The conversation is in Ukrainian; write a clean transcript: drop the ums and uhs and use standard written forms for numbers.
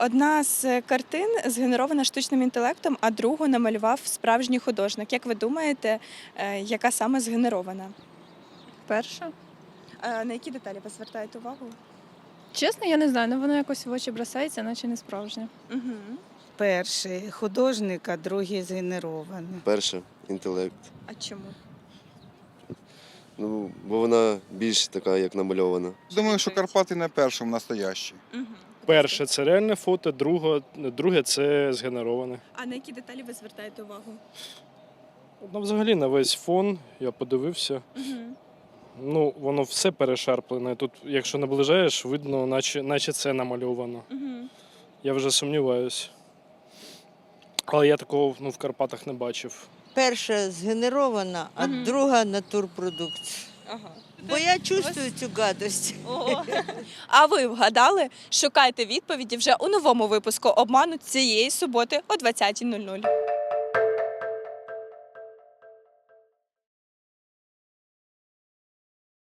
Одна з картин згенерована штучним інтелектом, а другу намалював справжній художник. Як ви думаєте, яка саме згенерована? Перша. На які деталі ви звертаєте увагу? Чесно, я не знаю, але воно якось в очі бросається, наче не справжнє. Угу. Перший художник, а другий згенерований. Перше інтелект. А чому? Ну, бо вона більш така, як намальована. Думаю, що Карпати на першому настоящі. Угу. Перше це реальне фото, друге це згенероване. А на які деталі ви звертаєте увагу? Ну, взагалі на весь фон я подивився. Угу. Ну, воно все перешарплене. Тут, якщо наближаєш, видно, наче це намальовано. Угу. Я вже сумніваюся. Але я такого в Карпатах не бачив. Перша згенерована, а Мгм. друга натурпродукт. Ага. Бо я чувствую цю гадость. А ви вгадали? Шукайте відповіді вже у новому випуску «Обману» цієї суботи о 20:00.